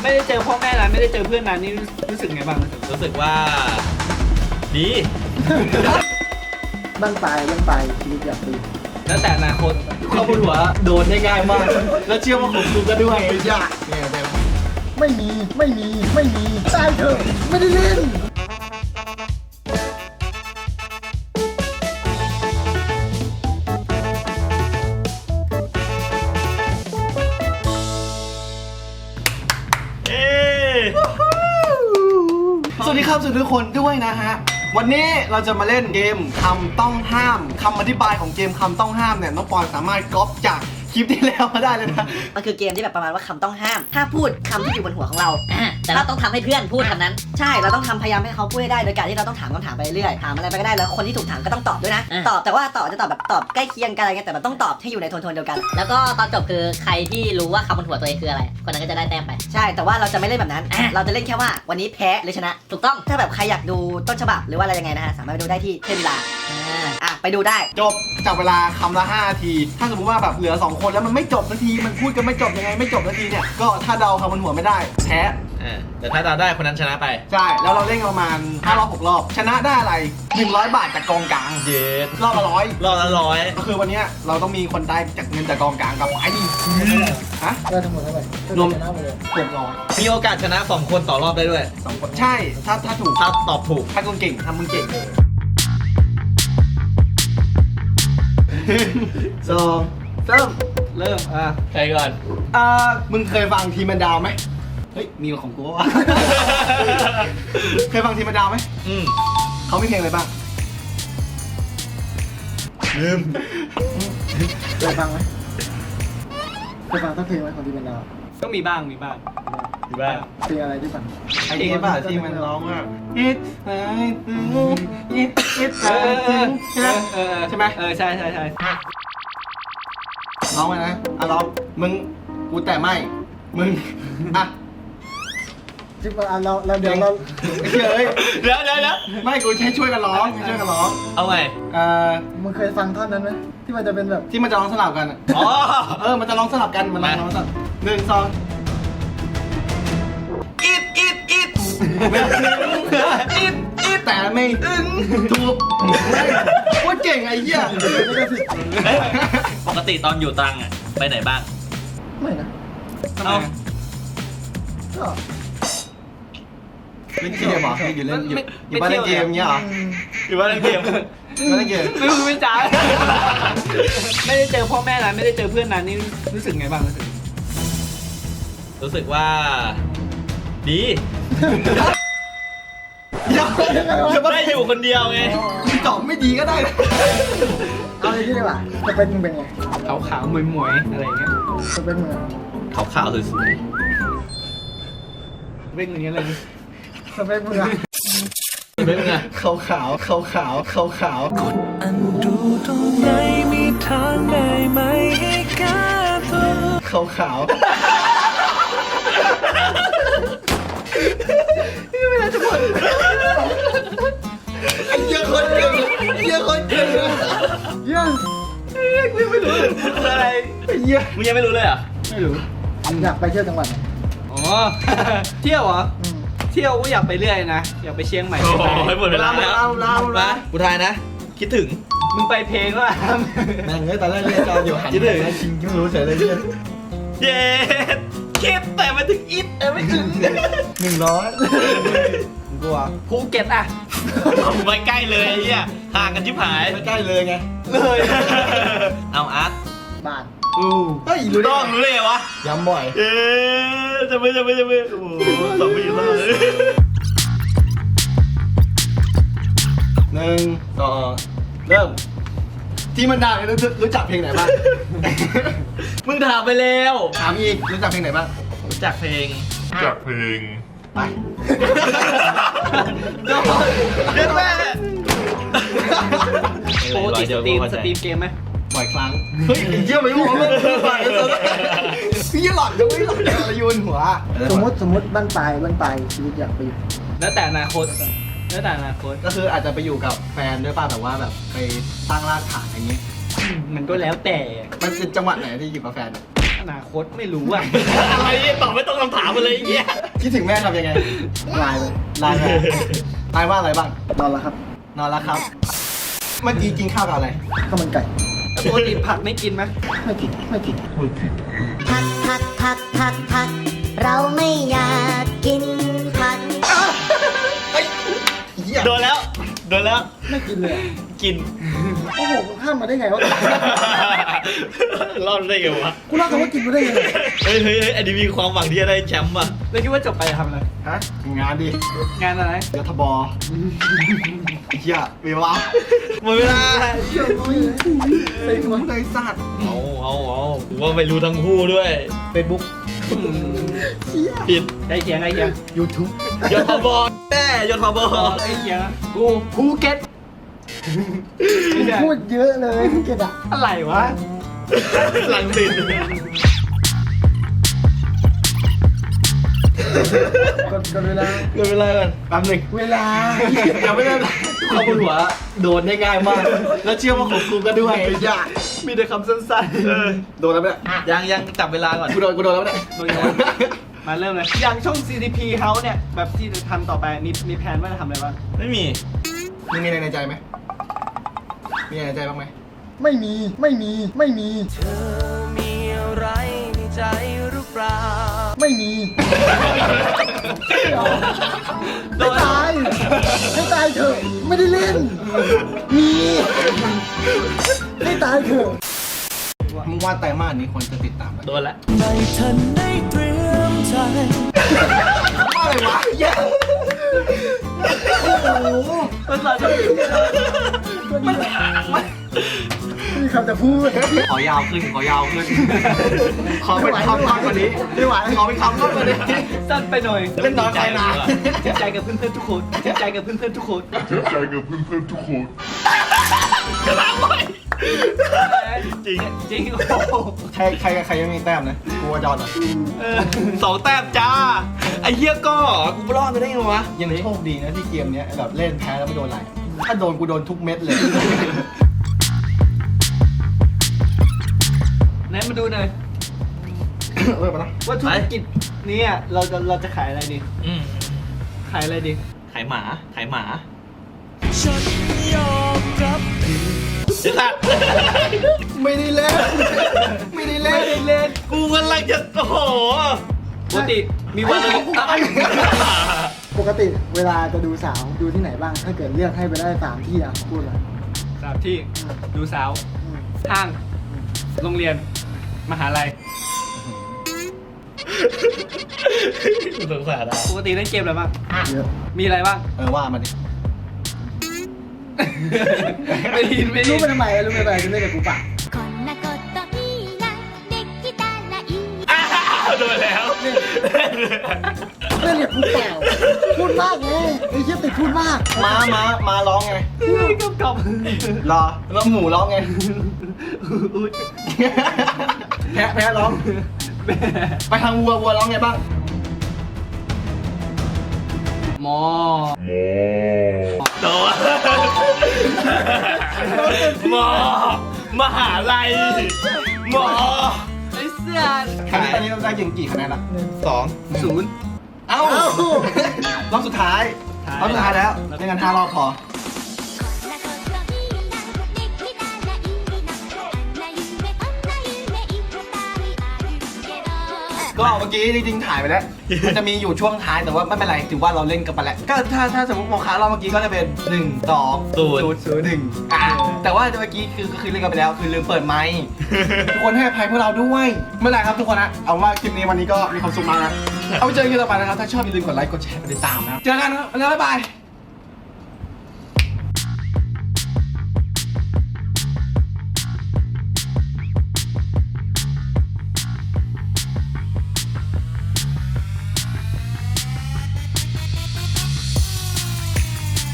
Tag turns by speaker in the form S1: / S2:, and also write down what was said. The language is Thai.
S1: ไม่ได้เจอพ่อแม่นานไม่ได้เจอเพื่อนนานนี่รู้สึกไงบ้าง
S2: รู้สึกว่าดี
S3: บ้านปลายชีวิตอยากปี
S1: แล้วแต่อนาคต
S4: เข้าบนหัวโดนได้ง่ายมาก แล้วเชื่อว่าของกูก็ด้วยยากเนี่ยแต่
S3: ไม่มีตายเถอะไม่ได้เล่น
S4: สวัสดีครับสวัสดีทุกคนด้วยนะฮะวันนี้เราจะมาเล่นเกมคำต้องห้ามคำอธิบายของเกมคำต้องห้ามเนี่ยน้องปอนสามารถก๊อปจากคลิปที่แล้วมาได้เลยนะ
S5: มันคือเกมที่แบบประมาณว่าคำต้องห้ามถ้าพูดคำที่อยู่บนหัวของเราแต่เราต้องทำให้เพื่อนพูดคำนั้นใช่เราต้องทำพยายามให้เขาพูดให้ได้โดยการที่เราต้องถามคำถามไปเรื่อยถามอะไรไปก็ได้แล้วคนที่ถูกถามก็ต้องตอบด้วยนะตอบแต่ว่าตอบจะตอบแบบตอบใกล้เคียงกันอะไรเงี้ยแต่มันต้องตอบให้อยู่ในโทนเดียวกันแล้วก็ตอนจบคือใครที่รู้ว่าคำบนหัวตัวเองคืออะไรคนนั้นก็จะได้แต้มไปใช่แต่ว่าเราจะไม่เล่นแบบนั้นเราจะเล่นแค่ว่าวันนี้แพ้หรือชนะถูกต้องถ้าแบบใครอยากดูต้นฉบับหรือว่าอะไรยังไงนะฮะสามารถไปดูได้ที่เทมลาไปดูได้
S4: จบจับเวลาคำละ5 นาทีถ้าสมมติว่าแบบเหลือ2คนแล้วมันไม่จบนาทีมันพูดกันไม่จบยังไงไม่จบนาทีเนี่ยก็ถ้าเดาคำบนหัวไม่ได้แพ้
S2: แต่ถ้าเราได้คนนั้นชนะไป
S4: ใช่แล้วเราเล่นกันประมาณ5 รอบ 6 รอบชนะได้อะไร100 บาทจากกองกลาง
S2: เย็ด
S4: รอบละ100
S2: รอบละ100
S4: ก็คือวันนี้เราต้องมีคนได้จากเงินจากกองกลางกลับไปฮะ
S3: ได้ทั้งหมดเท่าไหร่
S4: รวม
S3: ชนะหมดเลย
S4: 600
S2: มีโอกาสชนะ2คนต่อรอบได้ด้วย
S4: 2 คนใช่ถ้าถูก
S2: ถ้าตอบถูก
S4: ถ้าคุณเก่งถ้ามึงเก่งเลย2 3เริ่ม
S2: ใครก่อน
S4: มึงเคยฟังทีมแมนดาวไหมเฮ้ยมีของกูวะ เคยฟังทีมแมนดาวไหมเขามีเพลงอะไรบ้างลืม
S3: เคยฟังไหมเคยฟังทั้งเพลงไหมของดีเป็นดาว
S1: ก็มีบ้าง
S2: ดีบ้าง
S3: เพลงอะไรที่ฟัง
S4: ไอ้ที่ป่ะที่มันร้องว่า It's right It's ใช่ไหม
S1: ใช่
S4: ร้องไปนะร้องมึงกูแต่ไม่มึง
S3: จิ๊บเราเดี๋ยวเรา
S4: เฮ้ย
S2: เดี๋ยว
S4: ไม่กูใช้ช่วยกันร้อง
S2: เอาไง
S3: มึงเคยฟังท่อนนั้นไหมที่มันจะเป็นแบบ
S4: ที่มันจะร้องสลับกัน
S2: อ๋อ
S4: มันจะร้องสลับกันมันร้องสลับ1 2อิดแต่ไม่ถูกว่าเก่งไอ้เหี้ย
S2: ปกติตอนอยู่ตรังอ่ะไปไหนบ้าง
S3: ไม่นะ
S2: เอ้า
S3: ก็
S4: เล่นเกมเหรออยู่เล่นอยู่บ้านเล่นเกมเงี้ยเหรอ
S2: อยู่บ้านเล่นเกม
S4: บ้านเล่นเกม
S1: ไม่จ้าไม่ได้เจอพ่อแม่นานไม่ได้เจอเพื่อนนานนี่รู้สึกไงบ้าง
S2: รู้สึกว่าดี ได้อยู่คนเดียวไง
S4: ตอบไม่ดีก็ได้
S3: เอาเลยที่ดีกว่าจะเป็นมึงเป็นไง
S1: ขาวๆมวยๆอะไรเงี้ย
S3: จะเป็นมึง
S2: ขาวๆสวย
S1: เร่งอย่างเงี้ยเลย
S3: สเปคมึงอะ
S2: ๆเป็นไง
S4: ขาวขาว
S6: กดอันดูตรงไหนมีทางได้ไหมให้แก้ตัว
S4: ขาวไอ้เหี้ยคนเก่ง
S3: เยี่ย
S1: อะไร
S4: ไอ้เหี้ย
S2: มึงยังไม่รู้เลยเหรอ่ะ
S4: ไม่รู้
S3: อยากไปเที่ยวจังหวัดไหน
S1: อ๋อเที่ยวเหรอเที่ยวก็อยากไปเรื่อยนะอยากไปเชียงใหม่
S2: โอ้ยหมดเวลาแล้วมากูทายนะ คิดถึง
S1: มึงไปเพลงว่า
S4: แม่งเลยตอนแรกเรียกจออยู่หันไปจริงไม่รู้เฉยเลยเนี่ย
S2: เย้คิดแต่มาถึงอิดไม่ถึง
S4: 100กูอ่ะ
S1: ภูเก็ตอ่ะ
S2: ไม่ใกล้เลยไอ้เหี้ยห่างกันชิบหาย
S4: ไม่ใกล้เลยไง
S1: เลย
S2: เอาอาร์ต
S3: บ้าน
S4: เฮ้ย
S2: รู้ต้องรู้เลยเหรอวะ
S4: ย้ำบ่อย
S2: จะไม่โอ้โหสองปีแล้วเลย
S4: 1 2เริ่มที่มันดังรู้จักเพลงไหนบ้าง
S2: มึงถามไปแล้ว
S4: ถามอีกรู้จักเพลงไหนบ้าง
S2: รู้จักเพลง
S4: ไป
S2: เรียกแม่
S1: ปกติสตรีมเกมไหม
S4: บ่อยครั้งเฮ้ยเยี่ยมไปหมดเลยพี่หลอดจะไม่หลอดอะไรโยนหัว
S3: สมมติบ้านปลายชีวิตอยากไป
S1: แล้วแต่อนาคต
S4: ก็คืออาจจะไปอยู่กับแฟนด้วยป่ะแบบว่าแบบไปตั้งรากฐานอย่างงี้
S1: มันก็แล้วแต่
S4: มันเป็นจังหวัดไหนที่อยู่กับแฟน
S1: อนาคตไม่รู้อ่ะ
S2: อะไรเนี่ยตอบไม่ต้องคำถามอะไรอย่างเงี้ย
S4: คิดถึงแม่ทำยังไง
S3: ไลน์เลย
S4: ไลน์มาไลน์ว่าอะไรบ้าง
S3: นอนแล้วครับ
S4: นอนแล้วครับ เมื่อกี้กินข้าวกับอะไร
S3: ข้าวมันไก่
S1: ปกติผักไม่กินไหม
S3: ไม่กินไม่กิน
S5: ผักเราไม่อยากกินผัก
S2: โดนแล้วโดนแล้ว
S3: ไม่กินเลย
S2: กิน
S3: โอ้โหกูข้ามมาได้ไงวะ
S2: รอดได้ไงวะ
S3: กูเล่าคำว่ากินมาได้ไง
S2: เฮ้ยอันนี้มีความหวังที่จะได้แชมป์อ่ะ
S1: แล้วคิดว่าจบไปจะทำอะไร
S4: ฮะงานดิ
S1: งานอะไร
S4: รัฐบอไอ้เหี้ยเวลา
S2: หมดเวลา
S4: ไอ้คนไอ้สัตว์
S2: เอาผมว่าไม่รู้ทั้งคู่ด้วย
S1: Facebook
S2: ผิด
S1: ใกล้เคียงใกล้เคียง
S4: YouTube
S2: ยศบแม่ยศบ
S1: ใกล้เคียงอะกูภูเก็ตไม่ใช่
S3: พูดเยอะเลยภูเก็ตอ่ะ
S1: อะไรวะ
S2: หลังติด
S3: กดเวลา
S2: เกินเวลาก่อน
S4: แป๊บหนึง
S3: เวลา
S4: ยังไม่ได้เข้าบนหัวโดนได้ง่ายมาก แล้วเชื่อว่าของกูก็ด้วยไอ้ยา
S1: มีแต่คำสั้น
S4: โดนแล้วเนี่ย
S2: ยังจับเวลาก่อน
S4: กูโดนแล้วเนี่ย
S1: ๆโดยเฉพาะมาเริ่มเลย อย่างช่อง CDP House เนี่ย แบบที่จะทำต่อไปมีแผนว่าจะทำอะไรบ้าง
S2: ไม่มี
S4: มึงมีอะไรในใจไหมมีอะไรในใจบ้างไหม
S3: ไม่มีไม่มีไม่มีเธอมีอะไรในใจหรือเปล่าไม่มีไม่ตายไม่ตายเถอะไม่ได้เล่น มีไม่ตายเถอะ
S4: มึงว่าไตรมาสนี้ควรจะติดตามไหม
S2: โดนแล้ว
S6: ไม่ทันได้เตรียมใจ
S4: ว่าอะไรวะเหี้ย
S1: มันเราจะ
S3: ไม่มีคำจะพูด
S4: ขอยาวขึ้น ขอเป็นคำมากกว่านี้
S3: ไม่ไหว
S4: ขอเป็นคำมากกว่านี้
S1: สั้นไปหน่อย
S4: เล่นน้อยไปนาน
S1: เจ็บใจกับเพื่อนๆทุกคนเจ็บใจกับเพื่อนๆทุกคน
S2: จริง
S1: จริงโอ้โห
S4: ใครยังมีแต้มนะกูว่าจอนอ่ะ
S2: 2 แต้มจ้า ไอ้เหี้ยก็กูรอดไปได้ไงวะ
S4: ยังโชคดีนะที่เกมเนี้ยแบบเล่นแพ้แล้วไม่โดนอะไร ถ้าโดนกูโดนทุกเม็ดเลย
S1: ไหนมาดูหน่อย
S4: มานะ
S1: ว่าธุรกิจนี้อ่ะเราจะขายอะไรดี
S2: อืม
S1: ขายอะไรดี
S2: ขายหมา
S6: ฉันยอมรับผิด
S2: ไอ้สัตว์
S4: ไม่ได้เล่น ไม่ได้เล่น
S1: เล่น
S2: กูกำลังจะโอ้โห
S1: ปกติมีวันอะไร
S3: ปกติเวลาจะดูสาวดูที่ไหนบ้าง ถ้าเกิดเลือกให้ไปได้3ที่อ่ะพูดเลย
S1: สามที่ดูสาวห้างโรงเรียน มหาลัย
S2: กูสงสารอ่ะ
S1: ปกติเล่นเกมอะไรบ้าง
S3: เยอะ
S1: มีอะไรบ้าง
S4: ว่ามาดิ
S1: ไม่ได้ยินไม่ได้
S3: รู้
S1: ยิน
S3: ไปทำไมรู้ไปทำไมจะเล่นกับกูปะ
S7: こんなこといいなできたらいい
S2: อ้าวโดนแล้ว
S3: เล่นกับกูเปล่าพูดมากไงไอ้เหี้ยติดพูดมาก
S4: มาร้องไง
S1: กลับ
S4: รอ แล้วหมูร้องไง
S1: อุ้ย
S4: แพ้ร้อง
S1: แม่
S4: ไปทางวัวร้องไงบ้าง
S1: หมอ
S2: โดนหมอ มหาลัย หมอ
S1: ไอ้เสื้อ
S4: ตอนนี้เราได้ยิงกี่คะแนนละ
S2: 2
S1: 0
S4: เอ้ารอบสุดท้ายรอบสุดท้ายแล้วเล่นกัน5 รอบพอ
S7: こんなこといいなできたらいいなこんな夢いっぱいあるけど
S4: ก็เมื่อกี้จริงๆถ่ายไปแล้ว มันจะมีอยู่ช่วงท้ายแต่ว่าไม่เป็นไรถือว่าเราเล่นกันไปแล้ว ก็ถ้าสมมติโมคารอบเมื่อกี้ก็จะเป็น1 2 0 1แต่ว่าเมื่อกี้คือเล่นกันไปแล้วคือลืมเปิดไมค์ทุกคนให้อภัยพวกเราด้วยไม่เป็นไรครับทุกคนนะเอาว่าคลิปนี้วันนี้ก็มีความสุขมากนะเอาไปเจอกันต่อไปนะครับถ้าชอบอย่าลืมกดไลค์กดแชร์กดติดตามนะครับเจอกันครับแล้วบ๊ายบาย